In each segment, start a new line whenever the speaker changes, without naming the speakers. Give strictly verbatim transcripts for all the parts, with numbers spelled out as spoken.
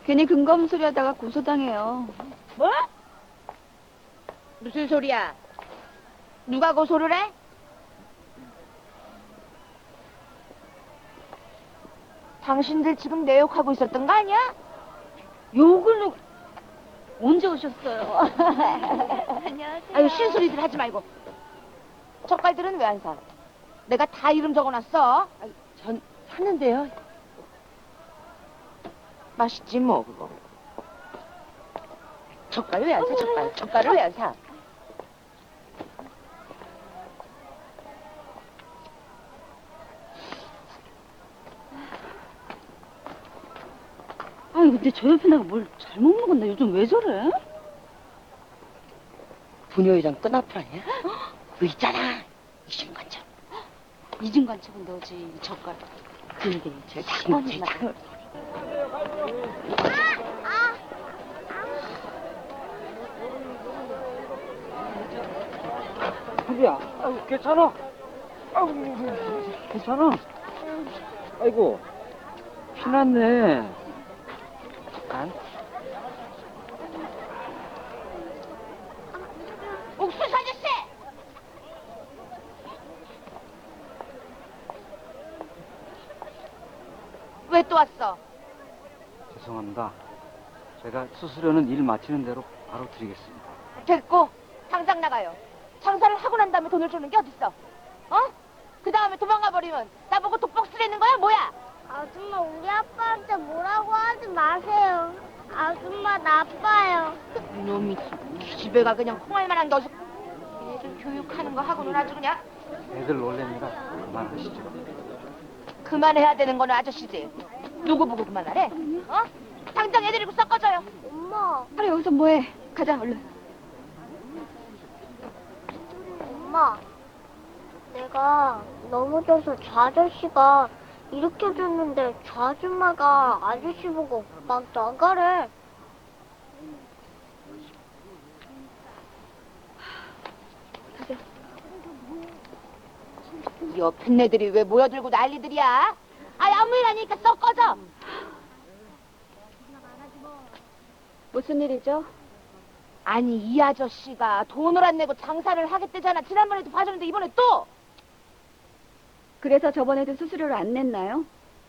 괜히 근거 없는 소리 하다가 고소당해요.
뭐? 무슨 소리야? 누가 고소를 해? 당신들 지금 내 욕하고 있었던 거 아니야? 욕을 누... 언제 오셨어요?
안녕하세요.
아유, 신소리들 하지 말고. 젓갈들은 왜 안 사? 내가 다 이름 적어놨어. 아유, 전 샀는데요. 맛있지 뭐 그거. 젓갈 왜 안 사? 젓갈. 젓갈을 왜 안 사?
아니 근데 저 옆에 내가 뭘 잘못 먹었나? 요즘 왜 저래?
부녀회장 끈앞을 아니야? 그 있잖아. 이중간첩.
이중간첩은 너지. 젓갈.
그게 제 장모님 장.
자기야, 아유, 괜찮아? 아유, 괜찮아? 아이고, 피났네. 잠깐.
옥수수 아저씨! 왜 또 왔어?
죄송합니다. 제가 수수료는 일 마치는 대로 바로 드리겠습니다.
됐고, 당장 나가요. 장사를 하고 난 다음에 돈을 주는 게 어딨어? 어? 그 다음에 도망가 버리면 나보고 독박 쓰라는 거야 뭐야?
아줌마, 우리 아빠한테 뭐라고 하지 마세요. 아줌마 나빠요.
이놈이 집에가 그냥 콩알만한 게 어디서 애들 교육하는 거 하고는 아주 그냥
애들 놀랍니다. 그만하시죠.
그만해야 되는 거는 아저씨지. 누구 보고 그만하래? 어? 당장 애 데리고 섞어줘요.
엄마,
하루 여기서 뭐해? 가자 얼른.
엄마. 내가 넘어져서 저 아저씨가 일으켜줬는데 저 아줌마가 아저씨 보고 막 나가래.
옆에 애들이 왜 모여들고 난리들이야? 아이 아무 일 아니니까 섞어줘.
무슨 일이죠?
아니 이 아저씨가 돈을 안 내고 장사를 하겠대잖아. 지난번에도 봐줬는데 이번에 또.
그래서 저번에도 수수료를 안 냈나요?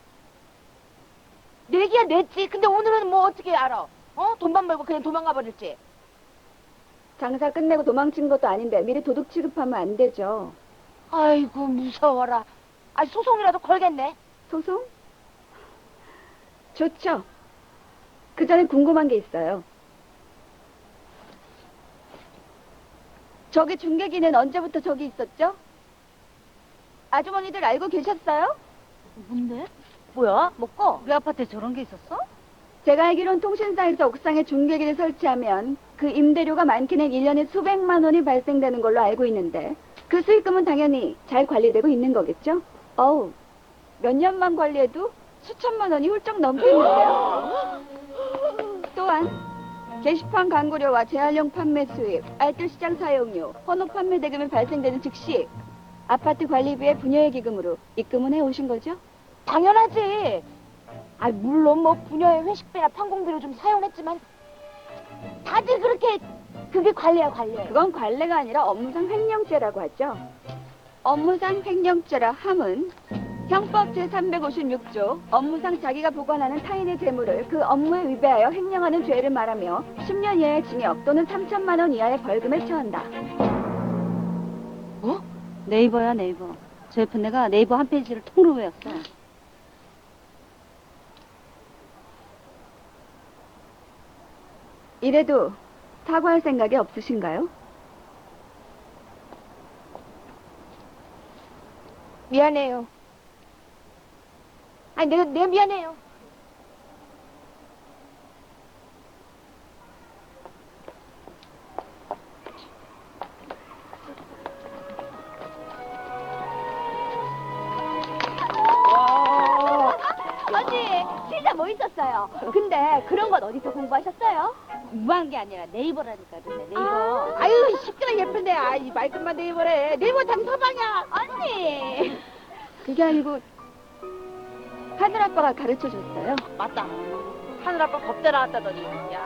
내기야 냈지. 근데 오늘은 뭐 어떻게 알아? 어? 돈만 벌고 그냥 도망가 버릴지.
장사 끝내고 도망친 것도 아닌데 미리 도둑 취급하면 안 되죠.
아이고 무서워라. 아 소송이라도 걸겠네.
소송? 좋죠. 그 전에 궁금한 게 있어요. 저기 중계기는 언제부터 저기 있었죠? 아주머니들 알고 계셨어요?
뭔데? 뭐야? 먹고?
우리 아파트에 저런 게 있었어? 제가 알기론 통신사에서 옥상에 중계기를 설치하면 그 임대료가 많게는 일 년에 수백만 원이 발생되는 걸로 알고 있는데 그 수익금은 당연히 잘 관리되고 있는 거겠죠? 어우, 몇 년만 관리해도 수천만 원이 훌쩍 넘겠는데요? 또한 게시판 광고료와 재활용 판매 수입, 알뜰 시장 사용료, 헌옷 판매 대금이 발생되는 즉시 아파트 관리비의 분여의 기금으로 입금은 해오신 거죠?
당연하지. 아 물론 뭐 부녀의 회식비나 판공비로 좀 사용했지만 다들 그렇게 그게 관리야 관리.
그건 관례가 아니라 업무상 횡령죄라고 하죠. 업무상 횡령죄라 함은 형법 제삼백오십육 조 업무상 자기가 보관하는 타인의 재물을 그 업무에 위배하여 횡령하는 죄를 말하며 십 년 이하의 징역 또는 삼천만 원 이하의 벌금에 처한다.
뭐?
네이버야 네이버. 저 옆에 내가 네이버 한 페이지를 통으로 외웠어. 이래도 사과할 생각이 없으신가요?
미안해요. 아니 내가 내가 미안해요.
언니, 진짜 멋있었어요. 근데 그런 건 어디서 공부하셨어요?
공부한 게 아니라 네이버라니까 그래 네이버.
아.
아유 시끄러 예쁜데 아이 말끝만 네이버래. 네이버 당서방이야.
언니! 그게 아니고 하늘 아빠가 가르쳐 줬어요.
맞다. 하늘아빠 법대 나왔다더니. 야,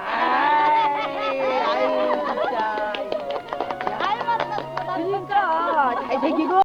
아유, 진짜.
그러니까 잘생기고